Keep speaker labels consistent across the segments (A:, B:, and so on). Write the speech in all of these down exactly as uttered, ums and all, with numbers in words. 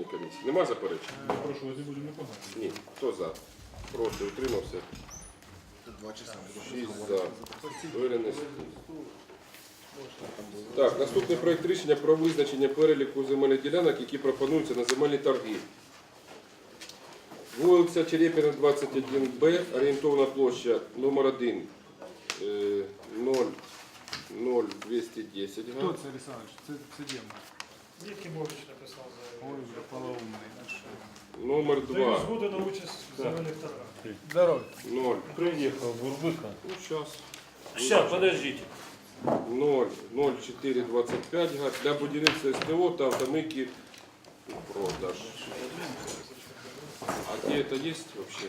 A: комісії. Нема заперечень?
B: Прошу, вас не будемо непогано.
A: Ні. Хто за? Проти, утримався.
C: Два часа.
A: шість за. Винести. Так, наступний проект рішення про визначення переліку земельних ділянок, які пропонуються на земельні торги. Вулиця Черепіна, двадцять один Б, орієнтовна площа номер один, ноль двісті десять
B: Хто
A: га.
B: це, Олександрович? Це, це демо.
D: Якимович написав
B: Ой,
D: заяву.
B: вже полоумний.
A: Номер
D: Даю
A: два,
D: згоду на участь в земельних торгах.
B: Здорово.
A: ноль.
E: Приехал Бурбыка.
A: Ну, сейчас.
E: Сейчас, подождите.
A: ноль ноль чотири двадцять п'ять га. Для будівництва СТО та автомийки продаж. А где это есть вообще?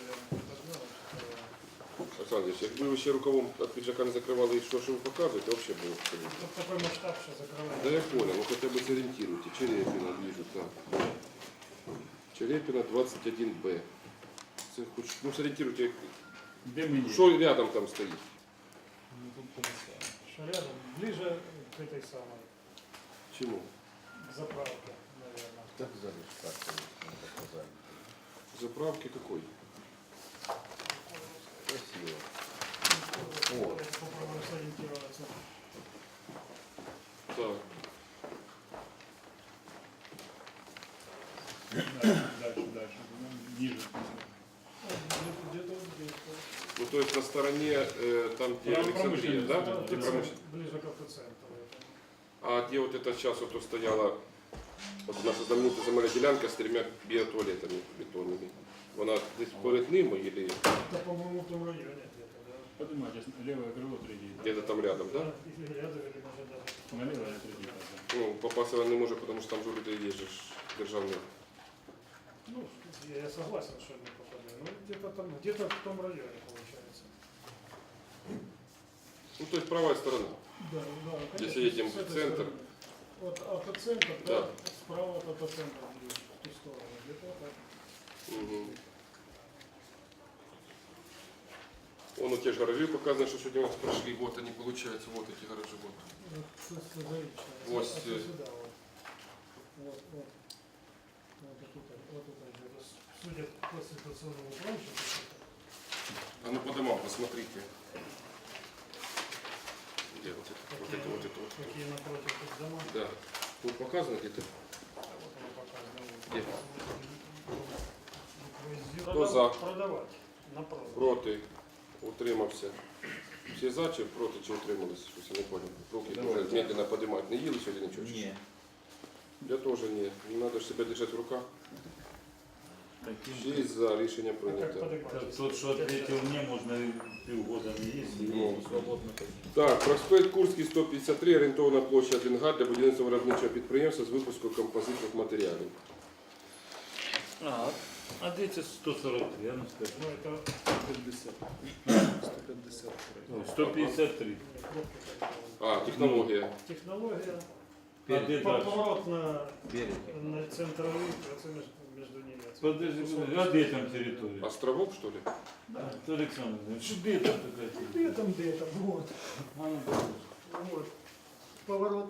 A: Олександр, якби ви ще рукавом від піджака не закривали і що, що ви показуєте, взагалі було б.
D: Тут такой масштаб, що закриває.
A: Да я понял, ну хотя бы сориентируйте. Черепина вижу, так. Черепина двадцать один Б. Це хоч, ну сориентируйте,
B: Де мені?
A: що рядом там стоїть.
D: Що рядом, ближе к этой самой
A: Чему?
D: заправке, наверное.
C: Так залишь карту, не показали.
A: Заправки какой?
C: Красиво.
D: Попробуем сориентироваться.
A: Так.
B: Дальше, дальше. Ниже.
D: Где-то вот здесь.
A: Ну то есть на стороне, э, там где
B: Прямо
A: Александрия,
B: промышленность,
A: да?
B: да,
A: Где
D: Ближе-
A: промышленность.
D: Ближе к автоцентру.
A: А где вот это сейчас вот стояла вот наша знаменитая земельная делянка с тремя биотуалетами бетонными. Вона десь перед ними или
D: Это, по-моему, в том районе где-то, да?
B: Поднимайтесь, левое крыло третье.
A: где-то там рядом, да?
D: Или рядом, или может даже.
B: На левое третье. Да.
A: Ну, попасти вона не може, потому що там же люди є же ж державні.
D: Ну, я, я согласен, что не попадаю. Ну, где-то там, где-то в том районе получается.
A: Ну, то есть правая сторона.
D: Да, да, конечно.
A: Если едем
D: с
A: в
D: этой
A: центр.
D: стороны. Вот автоцентр,
A: Да.
D: да, справа от автоцентра, ближе, в ту сторону. Где-то так.
A: Угу. Вон у те же гаражи показано, что сегодня у нас прошли. Вот они, получается, вот эти гаражи. Вот.
D: Вот, тут созавично.
A: Вот,
D: А
A: э,
D: сюда вот. Вот, вот. Вот тут, вот тут где-то. Судя по ситуационному плану, что
A: А ну по домам посмотрите. Где вот это? Вот это, вот это, вот это.
D: какие напротив тут дома.
A: Да. Тут показано где-то?
D: А вот оно показано.
A: Где?
D: Кто
A: за?
D: Продавать. На продаж.
A: Проти. Утримався. Всі за чи проти, чи утримались? Щось я не понял. Руки вже медленно подимати. Не їли сьогодні нічого? чи що?
C: Не.
A: Я теж ні. Надо ж себе держати в руках. Шість за. Рішення
D: Как
A: прийнято.
D: поднимать?
E: Тот, что ответил мне, можно и полгода не есть, и
A: Ну.
E: свободно ходить.
A: Так, проспект Курський, сто п'ятдесят три, орієнтовна площа один га для будівництва виробничого підприємства з випуску композитних матеріалів.
E: А, а дети сто сорок три, я не скажу.
D: Ну, это
B: пятьдесят. сто пятьдесят.
E: Ой, сто пятьдесят три.
D: кнопки такие.
A: А, технологія.
D: Технология.
E: А где дальше?
D: Поворот на,
C: Береги.
D: на центровый, это между, между ними.
E: Подожди, подожди, а где там территория?
A: Островок, что ли?
D: Да.
E: Александр, что где там такая территория?
D: Где там, где там, вот.
E: А, ну, подожди.
D: Вот. Поворот.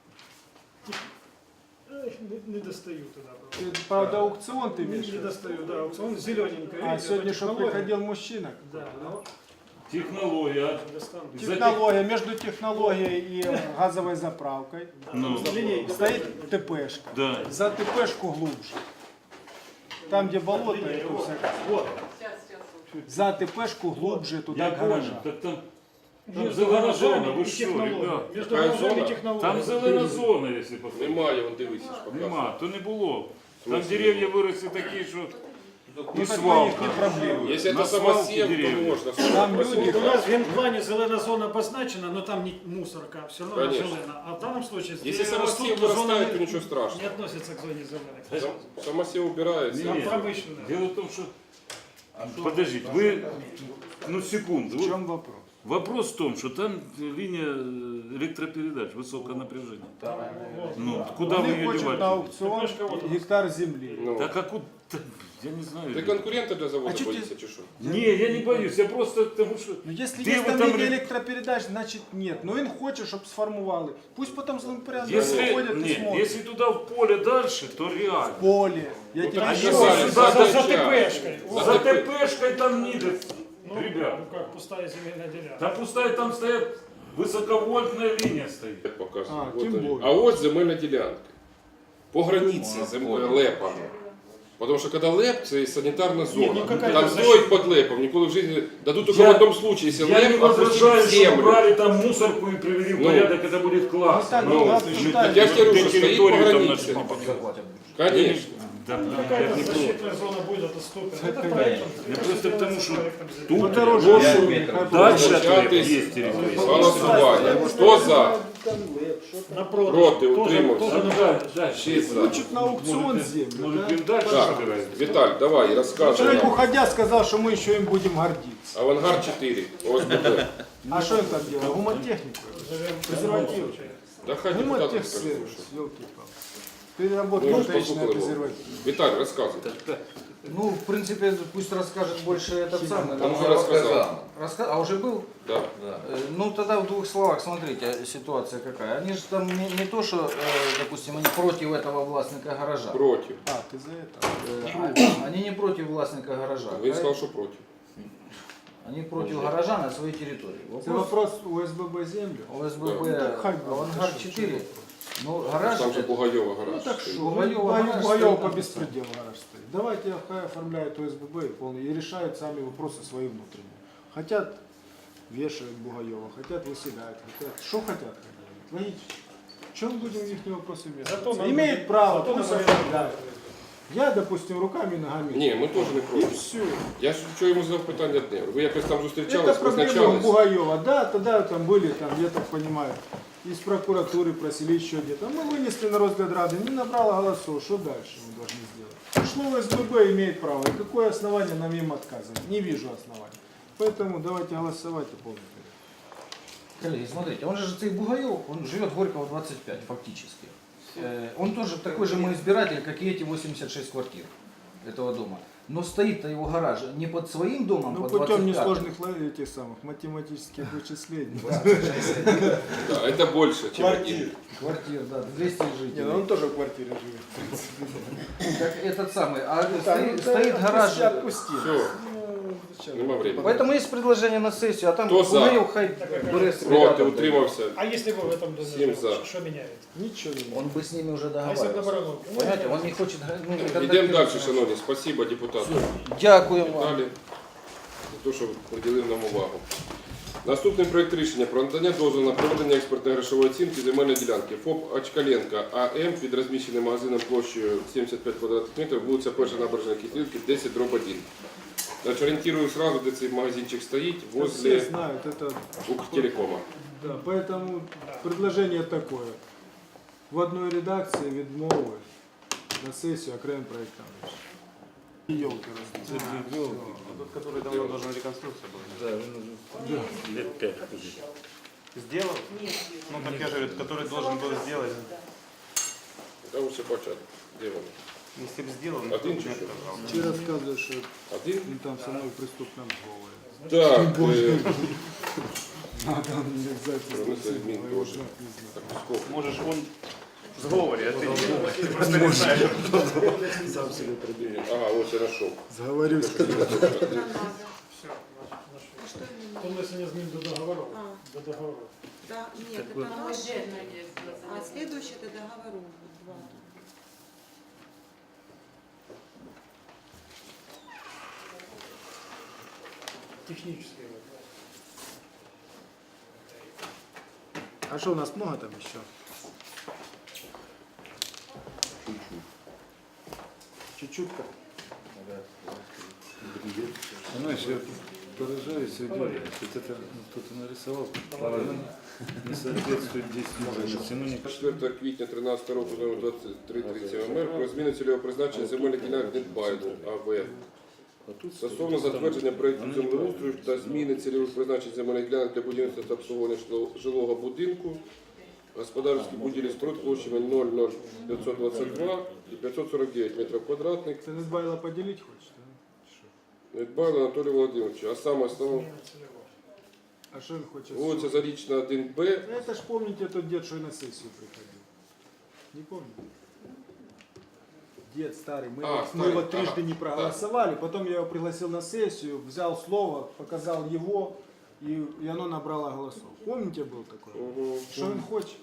D: Эх, не, не достаю туда.
F: Ты,
D: просто.
F: правда, аукцион ты
D: Не,
F: имеешь? в
D: не
F: виду?
D: достаю, да. Аукцион зелененький.
F: А, сегодня что приходил мужчина?
D: Да, ну,
E: Технология.
D: достану.
E: За
F: Технология, между технологией и газовой заправкой
E: Ну,
D: Линейка.
F: стоит ТПшка.
E: да.
F: За ТПшку глубже. Там, где болото, и тут всякое.
D: Вот.
F: За ТПшку глубже туда
E: Я понял,
F: гаража.
E: так там, там
D: Между
E: зелена зона,
D: гаражами
E: вы
D: и
E: что,
D: технологией.
E: ребят?
D: Между
A: Какая
D: гаражами
A: зона?
D: и технологией.
E: Там зелена зона, если посмотреть.
A: Немає, вон дивися. ж показує.
E: Нема, то не було. Там
A: смысле?
E: деревья выросли такие, что
F: Ну,
E: и
F: так
E: свалка.
F: не проблема.
A: Если
E: На
A: это
E: свалке
A: самосев, то
E: деревья.
A: можно.
F: Там люди-
D: Вот у нас в генплане зеленая зона обозначена, но там не мусорка, все равно она
A: Конечно.
D: зеленая. А в данном случае здесь
A: Если самосев
D: растут, но зона
A: вырастает, то
D: не-
A: ничего
D: не
A: страшного.
D: относится к зоне зеленых.
A: Сам- Самосев убирается.
D: Там
E: Нет.
D: промышленная.
E: Дело в том, что... Подождите, вы... Ну, секунду.
F: В
E: Вы,
F: чем вопрос?
E: Вопрос в том, что там линия электропередач, высокое напряжение. Ну, куда вы
F: Они
E: ее
F: хочуть на
E: деваете?
F: аукціон гектар землі.
A: Ну,
E: Так а куда? Я не знаю.
A: ти конкурента для заводу
F: А чё
A: боїшся
F: ти-
A: чи що?
E: Не, я не боюсь, я просто потому что...
F: Ну, якщо
E: Де
F: є
E: ви
F: там
E: там
F: лінія
E: ре-
F: електропередач, значить нет. Ну він хоче, щоб сформували. Пусть потім з ним порядок
E: Если,
F: виходять і
E: нет,
F: смотрят.
E: если туда в поле дальше, то реально.
F: Поле. Я
A: Ну,
F: тебе
A: так
F: еще
A: що
F: раз-
A: зараз?
D: За, за, за
A: Задача.
D: ТПшкой.
A: За
E: За
A: ТП.
E: ТПшкой там ниже,
D: Ну,
E: ребят.
D: ну как, пустая земельная делянка.
E: Там пустая, там стоят высоковольтная линия стоит.
A: Я показую.
F: А,
A: От
F: тим
A: вони.
F: більше.
A: А ось земельна ділянка. По границі земля лепа. Потому что когда леп, це санитарная зона.
D: ну какая
A: Там
D: это
A: строить под лепом. Никуда в жизни дадут только
E: Я-
A: в одном случае, если
E: Я не
A: леп
E: возражаю,
A: опустит
E: что
A: землю.
E: убрали там мусорку и привели в
A: Ну.
E: порядок, это будет
F: Ну,
E: классно.
F: так,
A: Ну,
F: ладно,
E: ну,
F: считай.
A: Я ж тебе говорю,
E: Где
A: что стоит по
E: территорию там
A: границе.
E: нашли?
A: Конечно.
E: Да, да, я
D: Какая-то
E: не против.
D: защитная зона будет отступлена. Это проектом.
E: Я просто к тому, что
D: Тут
E: тут
F: Дороже.
E: прошу,
F: Хай
E: дальше
F: буде.
E: от лепа есть территория.
A: Голосування. Хто за?
D: на продаж.
A: Проти,
D: Тоже-
A: утримався.
D: тоже
E: Ну,
D: на
E: да,
D: продаж.
E: да,
A: Шість за.
F: Хочуть на аукціон
E: Может,
F: землю.
E: может,
F: Да?
E: им дальше
A: Так,
E: собирать?
A: Віталь, давай, розказуй
F: Человек,
A: нам.
F: уходя, сказал, что мы еще им будем гордиться.
A: Авангард чотири, ОСББ.
F: А что им там делать? Гумотехнику?
D: Живем
F: Презерватив.
A: Да хай депутати
F: Гумотех
A: скажуть.
F: сервис, елки-палки. Переработка
A: Ну,
F: мотечная
A: послухали його.
F: презерватив.
A: Віталь, розказуй.
C: Ну, в принципе, пусть расскажет больше этот самый.
A: Он уже рассказал.
C: Раска- А уже был?
A: Да.
C: Э, Ну, тогда в двух словах, смотрите, ситуация какая. Они же там не, не то, что, э, допустим, они против этого властника гаража.
A: Проти.
F: А, ты за это?
C: Э, а- Они не против властника гаража.
A: Він сказав, що проти.
C: Они против гаража на своей территории.
F: Это
C: Вопрос
F: вопрос ОСББ землю?
C: ОСББ
F: Ну, так хай буде.
C: Авангард четыре. Ну, гараж...
A: Там же
C: это-
A: Бугайова
F: Ну
A: гараж.
F: так
A: стоїть.
F: что,
C: Бугаёва
F: Бугаёва
C: гараж
F: Бугаёва
C: стоит
F: по
C: там.
F: беспределу гараж стоит. Давайте хай оформляет ОСББ и, полный, и решают сами вопросы свои внутренние. Хотят вешают Бугаёва, хотят выселяют, хотят, что хотят. Логично. Чем будем в их вопросы
D: Зато
F: вмешиваться?
D: нам
F: Имеет
D: будет-
F: право,
D: зато
F: пусть
D: нам
F: оформляют. Я, допустим, руками и ногами.
A: Ні, ми теж не
F: И
A: проти.
F: все.
A: Я ж що йому задав питання одне. Ви якось там
F: Это
A: зустрічались,
F: проблема
A: визначались?
F: Бугаева. Да, тогда там были, там, я так понимаю, из прокуратуры просили еще где-то. Мы вынесли на розгляд Рады, не набрало голосов. Что дальше мы должны сделать? Пришло в СББ, имеет право. И какое основание нам им отказывать? Не вижу оснований. Поэтому давайте голосовать и полный порядок.
C: Коллеги, смотрите, он же цей Бугаев, он живет Горького двадцать пять фактически. Э, Он тоже такой же мой избиратель, как и эти восемьдесят шесть квартир этого дома. Но стоит-то его гараж не под своим домом,
F: Ну,
C: под
F: путем
C: двадцать пятым.
F: несложных ло- этих самых математических вычислений.
A: Да, это больше, чем один.
C: Квартир, да, двести
F: Не, ну
C: жителей.
F: он тоже в квартире живет.
C: Так этот самый, а
F: Да,
C: стоит,
F: ну,
C: стоит
F: да,
C: гараж.
F: отпусти, отпусти.
A: Все,
F: Ну, зачем?
A: нема времени.
C: Поэтому есть предложение на сессию, а там
A: Кто за?
C: Бугаев хай бере собі
A: Проти,
C: рядом.
A: утримався.
D: А если бы в этом доме
A: Всем
D: жил,
A: за.
D: что меняет?
F: Ничего не
C: Он бы с ними уже
D: А если бы
C: договаривался.
D: наоборот? Ну,
C: Понимаете, он не хочет... ну, не
A: Йдемо
C: контактировать.
A: далі, шановні. Спасибо, депутати.
C: Дякуємо вам.
A: Далі. За те, що приділив нам увагу. Наступний проект рішення про надання дозволу на проведення експертно-грошової оцінки земельної ділянки ФОП Очкаленка АМ під розміщеним магазином площею сімдесят п'ять квадратних метрів, вулиця Перша набережна Київська, десять дроб один. Значить, орієнтирую сразу, де цей магазинчик стоїть,
F: Все
A: возле
F: знают, это
A: Укртелекома.
F: да, поэтому предложение такое. В одной редакции відмови на сессию окрем проектом. Елки
G: Тот, который давно должен реконструкция была.
E: Да, он уже лет пять ходит.
G: Сделал? Ну, так я же говорю, который должен был сделать.
A: Та ось початок. Де вони?
G: Если бы сделал,
A: Один
G: никто бы не
A: чуть-чуть.
G: отказал.
F: Ти розказуєш, що
A: Один?
F: він там со мною в преступному зговорі.
A: Так, е,
F: Надо обязательно.
A: Промисловий змін теж. Так, сколько?
G: Можешь он в сговоре, а ты не думаешь. Ты просто не знаешь.
A: Ага, ось я знайшов.
F: Зговорюсь.
D: Все, Он внесение измен до договоров.
H: А.
D: До договоров.
H: Да, нет, это наш. А следующий это договору два.
D: Технические вопросы.
F: А что, у нас много там еще? Чуть-чуть. как?
E: Знаешь, я поражаюсь, я говорю, что это ну, кто-то нарисовал, правильно, не соответствует действительности. Ну, не
A: четвертого квітня тринадцятого року номер двадцять три тридцять МР про зміну цільового призначення земельних ділянок Нетбайду АВ
E: А тут
A: Стосовно
E: стоїть,
A: затвердження
E: там-
A: проєкту
E: вони
A: землеустрою
E: неправильно.
A: та зміни цільових призначень земельних ділянок для будівництва та обслуговування жило- жилого будинку, господарські будівлі споруд площами нуль нуль п'ятсот двадцять два і п'ятсот сорок дев'ять метрів квадратних.
F: Ты Недбайло поделить хочешь? Да? Что?
A: Недбайло Анатолію Володимировичу, а саме основно
D: Зміна цільового.
F: А что он хочет?
A: вулиця Зарічна один Б.
F: Да это ж помните тот дед, что и на сессию приходил. Не помните? Дед старый, мы,
A: А,
F: его, мы
A: старый,
F: его трижды
A: ага,
F: не проголосовали, потом я его пригласил на сессию, взял слово, показал его, и, и оно набрало голосов. Помните, был такой?
A: Угу.
F: Что он хочет?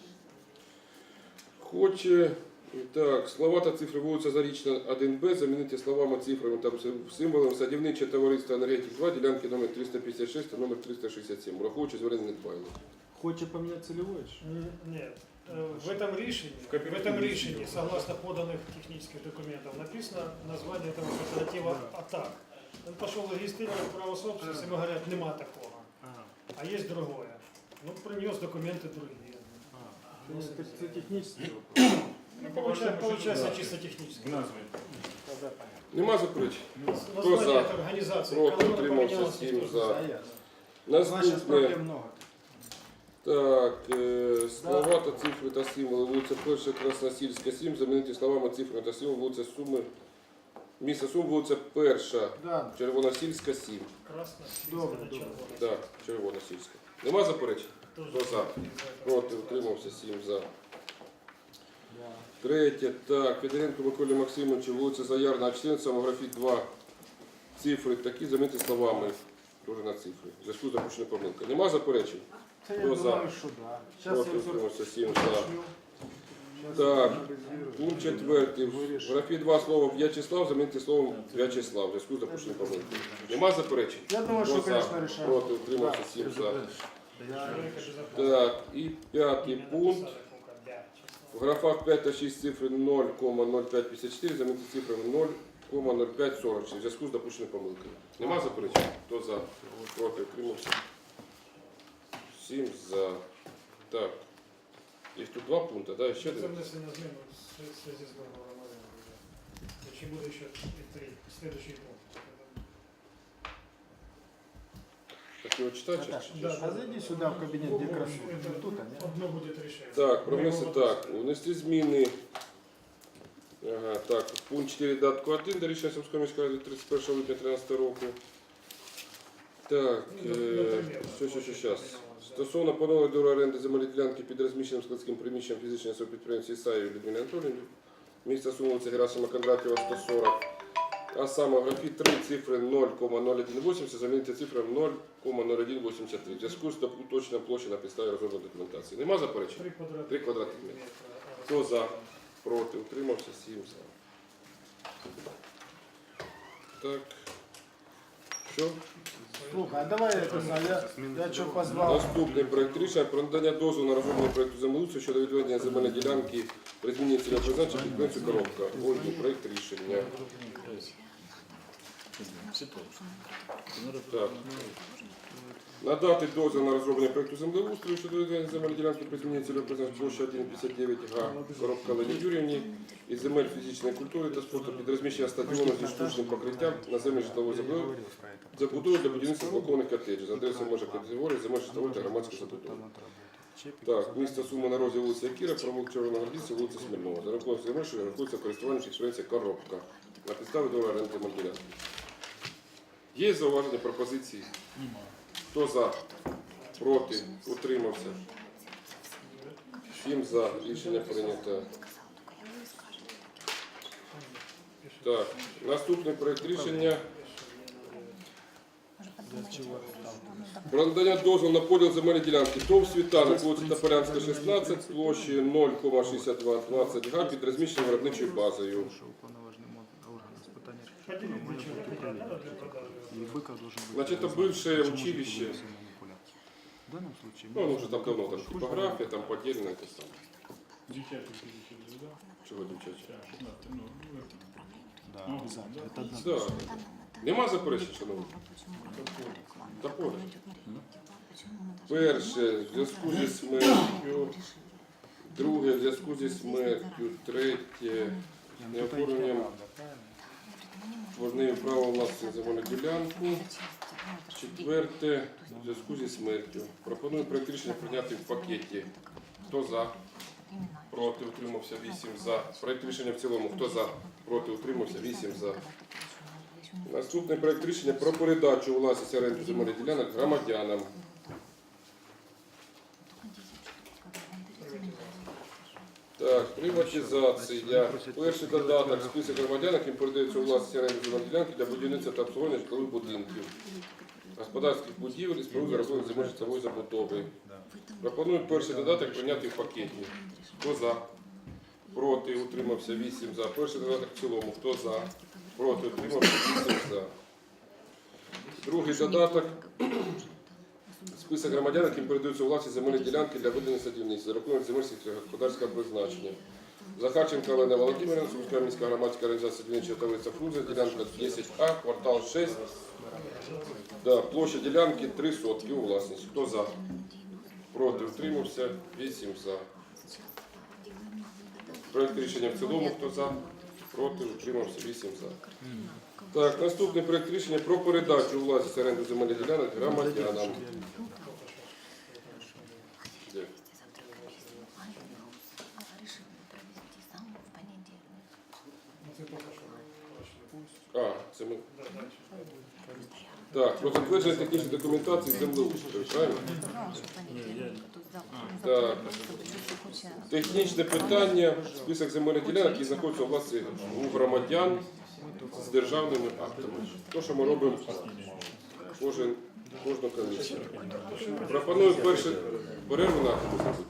A: Хоче, так, слова та цифри вулиця Зарічна один Б замінити словами, цифрами та символами садівниче товариство енергетик два, ділянки номер триста п'ятдесят шість та номер триста шістдесят сім, враховуючи звернення Недбайло.
F: Хочет поменять целевой? что?
D: Н- Нет. Э, В этом решении, в этом решении, согласно поданных технических документов, написано название этого кооператива «АТАК». Он пошел регистрировать право собственности, ему говорят, нема такого,
F: Ага.
D: а есть другое. Ну, принес документы другие.
F: То есть это, это технический вопрос.
D: Ну, получается, получается чисто технически.
B: В назві.
F: Тогда понятно.
A: Нема заперечень?
D: Название
A: за?
D: этой организации,
A: Проти,
D: которая
A: утримався,
D: поменялась,
A: сім
D: никто не
A: за.
D: знает.
F: А я. Значит,
A: Наступне.
F: проблем много.
A: Так, е, слова та цифри та символи вулиця Перша Красносільська сім замінити словами цифрами та символи вулиця Суми. Місто Сум, вулиця Перша,
F: Да,
A: Червоносільська сім.
D: Красно,
F: Добре,
D: на
F: добре.
D: червоно.
A: Так, Червоносільська. Нема заперечень?
D: Тоже
A: Хто за? Проти, утримався, сім за.
F: да.
A: Третє, так, Федоренко Миколі Максимовичу, вулиця Заярна, А чотирнадцять, самографіт два. Цифри такі замінити словами. Тоже на цифри. В зв'язку з допущеною помилкою. Нема заперечень?
F: Да, я
A: Кто за?
F: думаю, что да. Сейчас
A: Проти,
F: я все
A: утримався, сім за.
F: Сейчас
A: Так,
F: я анализирую.
A: Пункт четвертий. В
F: Вирішую.
A: графі два слова В'ячеслав замінити словом В'ячеслав. В зв'язку з допущеною помилкою. Нема заперечень?
F: Я думаю,
A: Хто
F: что,
A: за?
F: конечно, решаем.
A: Проти, утримався, сім за.
D: Человека безопасности.
A: Так, і п'ятий
D: Именно
A: пункт.
D: написали, сколько, да, число.
A: В графах п'ять та шість цифри нуль кома нуль п'ять п'ятдесят чотири замінити цифрами нуль кома нуль п'ять сорок шість в зв'язку з допущеною помилкою. Нема заперечень? Хто за? Проти, утримався. Сім за. Так. Їх тут два пункти, да? Ще
D: Це
A: один?
D: внесення змін в связи з договором оренди. Чи буде ще і три? Следующий пункт.
A: Так його читати? чи- чи-
D: Да,
F: А зайди сюда в кабинет, где красотка.
D: Это
F: Тут они.
D: одно будет решение.
A: Так, про
D: Ми
A: внести
D: його
A: так. Внести зміни. Ага, так, пункт чотири датку один до рішення Сумської міської ради тридцять першого липня дві тисячі тринадцятого року. Так,
D: Ну,
A: е,
D: наприклад,
A: що, що, що,
D: от,
A: зараз.
D: да.
A: Стосовно поновлення договору оренди земельної ділянки під розміщеним складським приміщенням фізичної особи підприємці Ісаєві Людмилі Анатоліївні, місто Суми, вулиця Герасима Кондратєва, сто сорок, а саме в графі три цифри нуль кома нуль один вісімдесят замінити цифрами нуль кома нуль один вісімдесят три в зв'язку з уточненням площі на підставі розробленої документації. Нема заперечень?
D: Три квадратних
A: Три квадратних метри.
D: метра.
A: Хто за? Проти? Утримався? Сім за. Так. Що?
F: Слухай, а давай это, я, я что позвал?
A: Наступний проект рішення про надання дозволу на розроблення проекту землеустрою щодо відведення земельної ділянки при зміні цільового призначення підприємцю Коробка. Ольгу, проект рішення. Так. Надати дозвіл на розроблення проекту землеустрою щодо відведення земельної ділянки при зміні цільового призначення площа один п'ятдесят дев'ять га Коробка Лені Юрівні із земель фізичної культури та спорту під розміщення стадіону зі штучним покриттям на землі житлової забудови забудови для будівництва блокованих котеджів за адресою межа категорії земель житлової та громадської забудови. Так, місто Суми на розі вулиця Кіра, провулок Червоногвардійця, вулиця Смільного. За рахунок земель, що рахується користування підприємця Коробка. На підставі договору оренди модуля. Є зауваження, пропозиції? Хто за? Проти? Утримався? Всім за. Рішення прийнято. Так, наступний проект рішення про надання дозволу на поділ земельної ділянки ТОВ «Світанок», вулиця Тополянська, шістнадцять, площі нуль кома шістдесят двадцять га під розміщеною виробничою базою.
D: Поделить для чего? Надо для продажи.
A: Значит, это бывшее училище. Ну, оно уже там давно, там типография, там поделено это самое.
B: Дівчачі фізичні, да?
A: Чего дівчачі?
B: Так, шістнадцять, ну, это.
A: Да. Нема заперечень, шановні? Топор. Перше, в зв'язку зі смертю. Друге, в зв'язку зі смертю. Третє, неоформленням Творним правом власності на земельну ділянку. Четверте, в зв'язку зі смертю. Пропоную проект рішення прийняти в пакеті. Хто за? Проти, утримався, вісім за. Проект рішення в цілому. Хто за? Проти, утримався, вісім за. Наступний проект рішення про передачу у власність оренду земельних ділянок громадянам. Так, приватизація. Перший додаток, список громадян, яким передається у власність оренду земельних ділянки для будівництва та обслуговування житлових будинків, господарських будівель і споруд розвитку земель житлової забудови. Пропоную перший додаток прийняти в пакеті. Хто за? Проти, утримався, вісім за. Перший додаток в цілому. Хто за? Проти, утримався, вісім за. Другий додаток. Список громадян, яким передаються у власність земельні ділянки для ведення садівництва, за рахунок земель сільськогосподарського призначення. Захарченко Олена Володимирівна, Сумська міська громадська організація садівничого товариства «Фрунзе», ділянка десять А, квартал шість. Да, площа ділянки три сотки у власність. Хто за? Проти, утримався, вісім за. Проект рішення в цілому. Хто за? Проти, утримався, вісім за. Так, наступний проект рішення про передачу у власність оренду земельних ділянок громадянам. Де? А, це ми. Так, про затвердження технічної документації землеустрою, правильно? Так. Технічне питання, список земельних ділянок, які знаходяться у власності у громадян з державними актами. То, що ми робимо кожен, кожну комісію. Пропоную перше перерву на зробити.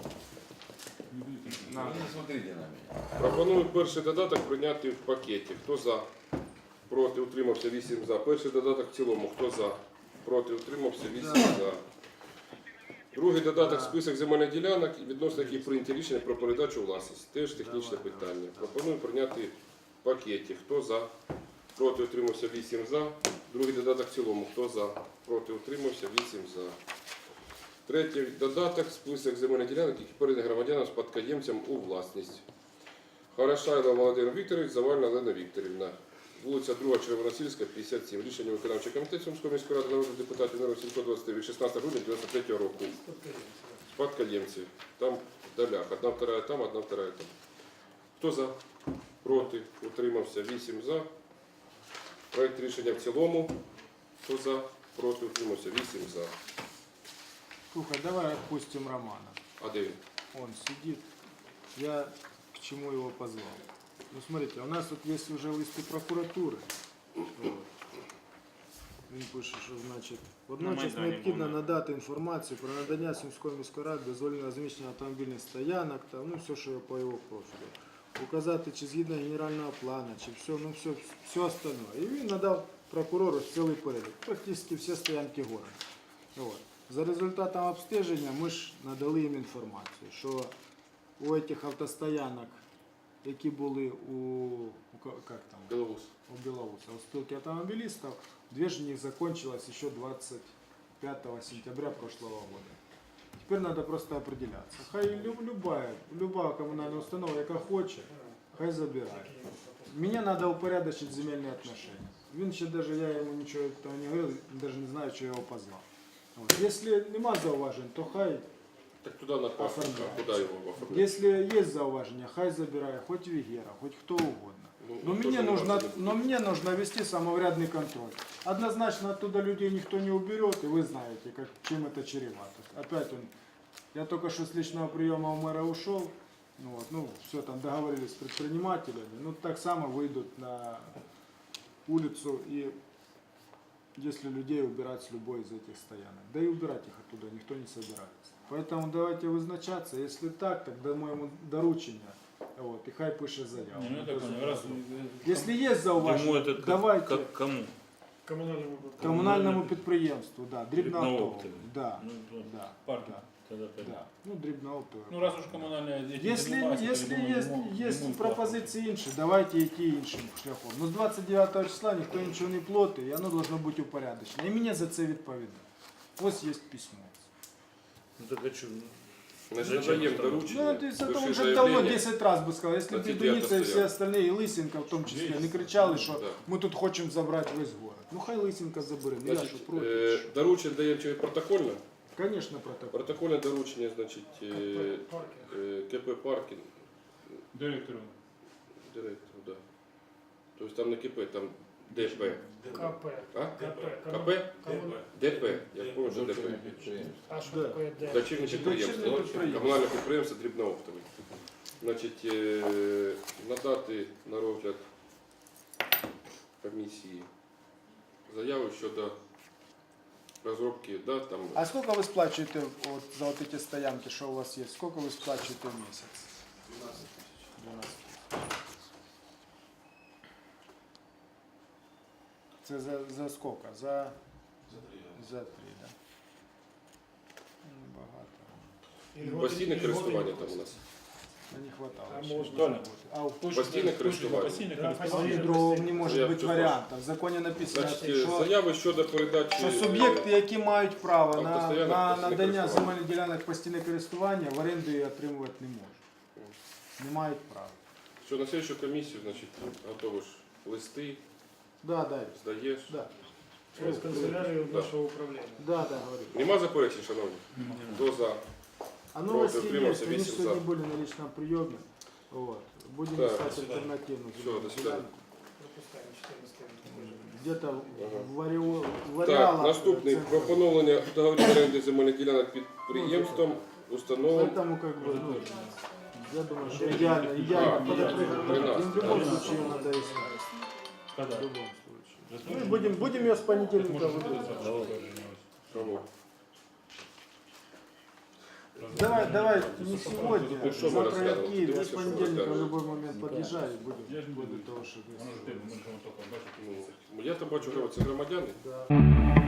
A: Пропоную перший додаток прийняти в пакеті. Хто за? Проти, утримався, вісім за. Перший додаток в цілому. Хто за? Проти, утримався, вісім за. Другий додаток список земельних ділянок, відносно яких прийняті рішення про передачу у власність. Теж технічне питання. Пропоную прийняти в пакеті. Хто за? Проти, утримався, вісім за. Другий додаток в цілому. Хто за? Проти, утримався, вісім за. Третій додаток список земельних ділянок, які передані громадянам спадкоємцям у власність. Хорошайло Володимир Вікторович, Завальна Олена Вікторівна. Вулиця друга, Червоносільська, п'ятдесят сім. Рішення виконавчого комітету Сумської міської ради народних депутатів номер сімсот двадцять від шістнадцятого грудня дев'яносто третього року. Спадкоємці. Там в долях. Одна вторая там, одна вторая там. Хто за? Проти? Утримався? вісім за. Проект рішення в цілому. Хто за? Проти? Утримався? вісім за.
F: Слухай, давай отпустим Романа.
A: А де він?
F: Он сидит. Я к чему его позвал? Ну смотрите, у нас тут есть уже листы прокуратуры. Вот. Він пише, що значить, водночас
G: Майдані
F: необхідно
G: були.
F: надати інформацію про надання Сумської міської ради дозволення розміщення автомобільних стоянок, там, ну все, що по його профілю. Указати, чи згідно генерального плану, чи все, ну все, все остальное. І він надав прокурору цілий перелік, практично всі стоянки города. Вот. За результатом обстеження ми ж надали їм інформацію, що у цих автостоянок, які були у, у ка- как там,
A: Білоус.
F: у Белоуса, у спилки автомобилистов, две же них закончилось еще двадцать пятого сентября прошлого года. Теперь надо просто определяться. Хай лю- любая, любая коммунальная установа, яка хочет, хай забирает. Мне надо упорядочить земельные отношения. Він ще даже, я ему ничего этого не говорил, даже не знаю, что я его позвал. Вот. Если нема зауважень, то хай.
A: Так туди на паспорт, а куди його оформляти?
F: Если есть зауваження, хай забирає, хоть Вегера, хоть кто угодно.
A: Ну,
F: Но
A: тоже
F: мне,
A: не
F: нужно,
A: надо.
F: но мне нужно вести самоврядный контроль. Однозначно оттуда людей никто не уберет, и вы знаете, как, чем это чревато. Опять он, я только что с личного приема у мэра ушел, ну, вот, ну все, там договорились с предпринимателями, ну так само выйдут на улицу, и если людей убирать с любой из этих стоянок, да и убирать их оттуда никто не собирается. Поэтому давайте вызначаться, если так, тогда моему доручення. Вот, і хай пише заяву.
E: Ну, я так понял, раз,
F: Якщо є
E: Ему
F: зауваження,
E: это как,
F: давайте
E: как кому?
D: Коммунальному
F: комунальному підприємству, да, дрібнооптовому.
E: Дрібнооптовому.
F: Да,
E: Ну, то
F: да,
E: парки
F: да,
E: тогда пойдет.
F: да. Ну, дрібнооптове.
E: Ну, раз уж коммунальные дети
F: Якщо,
E: занимаются, то,
F: якщо
E: я думаю,
F: є,
E: ему-
F: є
E: ему
F: пропозиції інші, давайте йти іншим шляхом. Ну, з двадцять дев'ятого числа ніхто нічого не платить, і воно должно бути упорядочено. І мені за це відповідає. Ось є письмо.
E: Ну, так а что?
A: Значит, надаем доручение,
F: Ну, то есть это
A: пиши
F: он же давно
A: заявление.
F: десять раз бы сказал. Если
A: На
F: бы
A: тебе
F: Бедуница и все
A: стоят.
F: остальные, и Лысенко в том числе, не кричали, что
A: Да.
F: мы тут хотим забрать весь город. Ну хай Лысенко заберет, ну я
A: Значить,
F: що проти.
A: е,
F: що?
A: доручення даємо через протокольно.
F: Конечно, протокол.
A: Протокольне доручення, значить, е,
D: Паркинг.
A: е, КП «Паркінг»,
B: Директору.
A: директор, да. Тобто там не КП, там ДП.
D: КП.
A: А?
D: КП.
A: КП? ДП. Я помню, що ДП.
D: А что
F: Да.
D: такое Д?
A: Дочірнє
F: Дочірнє
A: підприємство.
F: підприємство.
A: Комунальне підприємство Дрібнооптовий. Значить, е, надати на розгляд комісії заяву щодо розробки, да, там,
F: А сколько вы сплачиваете вот за вот эти стоянки, что у вас есть? Сколько вы сплачиваете в месяц? двенадцать тысяч. Це за, за сколько? За, за три, да? Ну, багато.
D: Или вот
A: постійне
D: или
A: користування
D: вот
A: там у
D: или-
A: нас.
F: Ну, не хватало.
D: А
F: ще.
D: можно?
F: А в
A: Постійне користування.
B: Постійне
D: Да,
B: користування.
D: постійне.
F: другого не може
A: Я
F: бути
A: чую,
F: варіантів. В законі написано,
A: Значить, е,
F: що,
A: заяви щодо передачі.
F: що суб'єкти, які мають право на,
A: Автостоянок,
F: на
A: постійне
F: надання
A: користування.
F: земельних ділянок постійне користування, в оренду її отримувати не можуть. Не мають права.
A: Що на слідчу комісію, значить, готовиш листи,
F: Да, да,
A: здаєш.
F: да.
D: Через канцелярию
A: Да.
D: нашего управления.
F: Да, да, говорю.
A: Нема заперечень, шановні? Хто за?
F: А новости
A: Проти,
F: есть,
A: утримався,
F: они
A: вісім
F: сегодня
A: за.
F: были на личном приеме. Вот. Будем
A: Так,
F: искать альтернативную.
A: Всё,
F: земельную
A: до свидания.
F: ділянку.
D: Пропускаем четырнадцатый.
F: Где-то
A: Ага.
F: в Варіо- в
A: Так,
F: Варіалах.
A: наступний. Про поновлення договорів оренди земельних ділянок підприємством, установам.
F: Поэтому как бы, ну, я думаю, что идеально,
A: А,
F: идеально подопрыгнуть.
A: тринадцать,
F: И в любом
A: да.
F: случае ее надо искать. В
B: Когда?
F: любом случае. Ну и будем, будем ее с понедельника выпускать.
A: Кого?
F: Давай, давай, не сегодня,
A: Ну, что мы
F: завтра я в
A: разглядываем?
F: Киеве, а
A: Ты
F: с
A: что
F: понедельника в
A: разглядываешь?
F: любой момент подъезжаю и будем,
B: Я ж не
F: будем
B: буду.
F: того, что...
B: Воно ж тебе, ми ж воно тільки бачите.
A: Ну, я то бачу, що це громадяни.
F: Да.